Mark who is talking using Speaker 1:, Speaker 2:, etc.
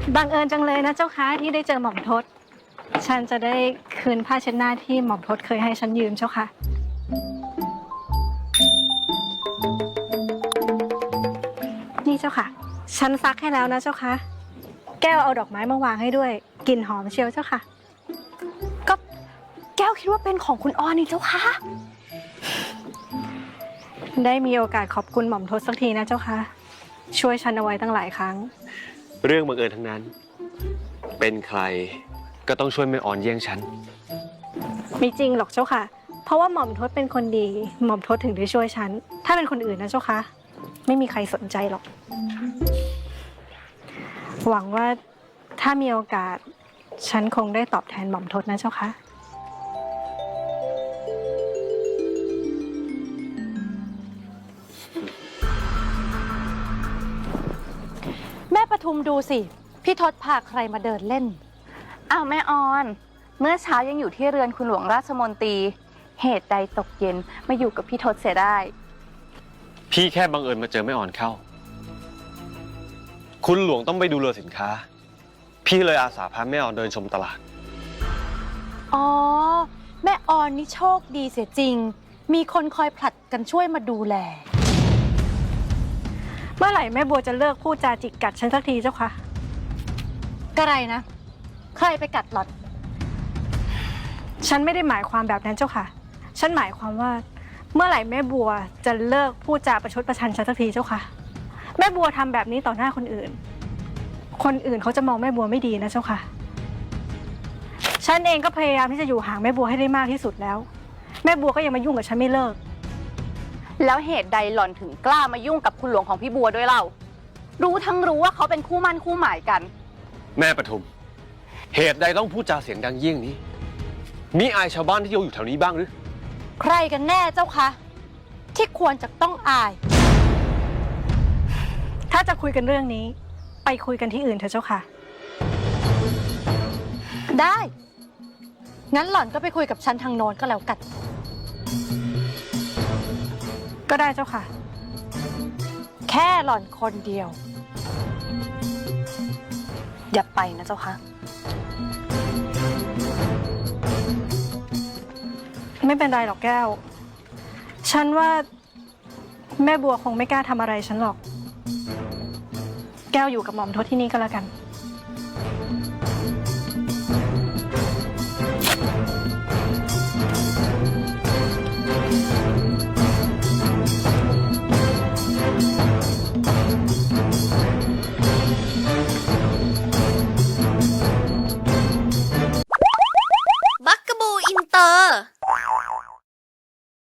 Speaker 1: บังเอิญจังเลยนะเจ้าคะที่ได้เจอหม่อมทศฉันจะได้คืนผ้าเช็ดหน้าที่หม่อมทศเคยให้ฉันยืมเจ้าค่ะนี่เจ้าค่ะฉันซักให้แล้วนะเจ้าค่ะแก้วเอาดอกไม้มาวางให้ด้วยกลิ่นหอมเชียวเจ้าค่ะ
Speaker 2: ก็แก้วคิดว่าเป็นของคุณออนนี่เจ้าค่ะ
Speaker 1: ได้มีโอกาสขอบคุณหม่อมทศสักทีนะเจ้าค่ะช่วยฉันเอาไว้ตั้งหลายครั้ง
Speaker 3: เรื่องบังเอิญทั้งนั้นเป็นใครก็ต้องช่วยแม่ออนเยี่ยงฉัน
Speaker 1: ไม่จริงหรอกเจ้าค่ะเพราะว่าหม่อมทศเป็นคนดีหม่อมทศถึงได้ช่วยฉันถ้าเป็นคนอื่นนะเจ้าค่ะไม่มีใครสนใจหรอกหวังว่าถ้ามีโอกาสฉันคงได้ตอบแทนหม่อมทศนะเจ้าค่ะ
Speaker 2: แม่ปทุมดูสิพี่ทศพาใครมาเดินเล่น
Speaker 4: อ้าวแม่ออนเมื่อเช้ายังอยู่ที่เรือนคุณหลวงราชมนตรีเหตุใดตกเย็นมาอยู่กับพี่ทศเสียได้
Speaker 3: พี่แค่บังเอิญมาเจอแม่ออนเข้าคุณหลวงต้องไปดูเรือสินค้าพี่เลยอาสาพาแม่ออนเดินชมตลาด
Speaker 2: อ๋อแม่ออนนี่โชคดีเสียจริงมีคนคอยผลัดกันช่วยมาดูแล
Speaker 1: เมื่อไหร่แม่บัวจะเลิกพูดจาจิกกัดฉันสักทีเจ้าค่ะ
Speaker 2: กระไรนะใครไปกัดหล่อน
Speaker 1: ฉันไม่ได้หมายความแบบนั้นเจ้าค่ะฉันหมายความว่าเมื่อไหร่แม่บัวจะเลิกพูดจาประชดประชันฉันสักทีเจ้าค่ะแม่บัวทำแบบนี้ต่อหน้าคนอื่นคนอื่นเขาจะมองแม่บัวไม่ดีนะเจ้าค่ะฉันเองก็พยายามที่จะอยู่ห่างแม่บัวให้ได้มากที่สุดแล้วแม่บัวก็ยังมายุ่งกับฉันไม่เลิก
Speaker 4: แล้วเหตุใดหล่อนถึงกล้ามายุ่งกับคุณหลวงของพี่บัวด้วยเล่ารู้ทั้งรู้ว่าเขาเป็นคู่มั่นคู่หมายกัน
Speaker 3: แม่ปทุมเหตุใดต้องพูดจาเสียงดังเยี่ยงนี้มิอายชาวบ้านที่อยู่แถวนี้บ้างหรือ
Speaker 2: ใครกันแน่เจ้าคะที่ควรจะต้องอาย
Speaker 1: ถ้าจะคุยกันเรื่องนี้ไปคุยกันที่อื่นเถอะเจ้าค่ะ
Speaker 2: ได้งั้นหล่อนก็ไปคุยกับฉันทางโน้นก็แล้วกัน
Speaker 1: ก็ได้เจ้าค่ะ
Speaker 2: แค่หล่อนคนเดียวอย่าไปนะเจ้าค่ะ
Speaker 1: ไม่เป็นไรหรอกแก้วฉันว่าแม่บัวคงไม่กล้าทำอะไรฉันหรอกแก้วอยู่กับหม่อมทศที่นี่ก็แล้วกัน
Speaker 5: บักกะบูอินเตอร์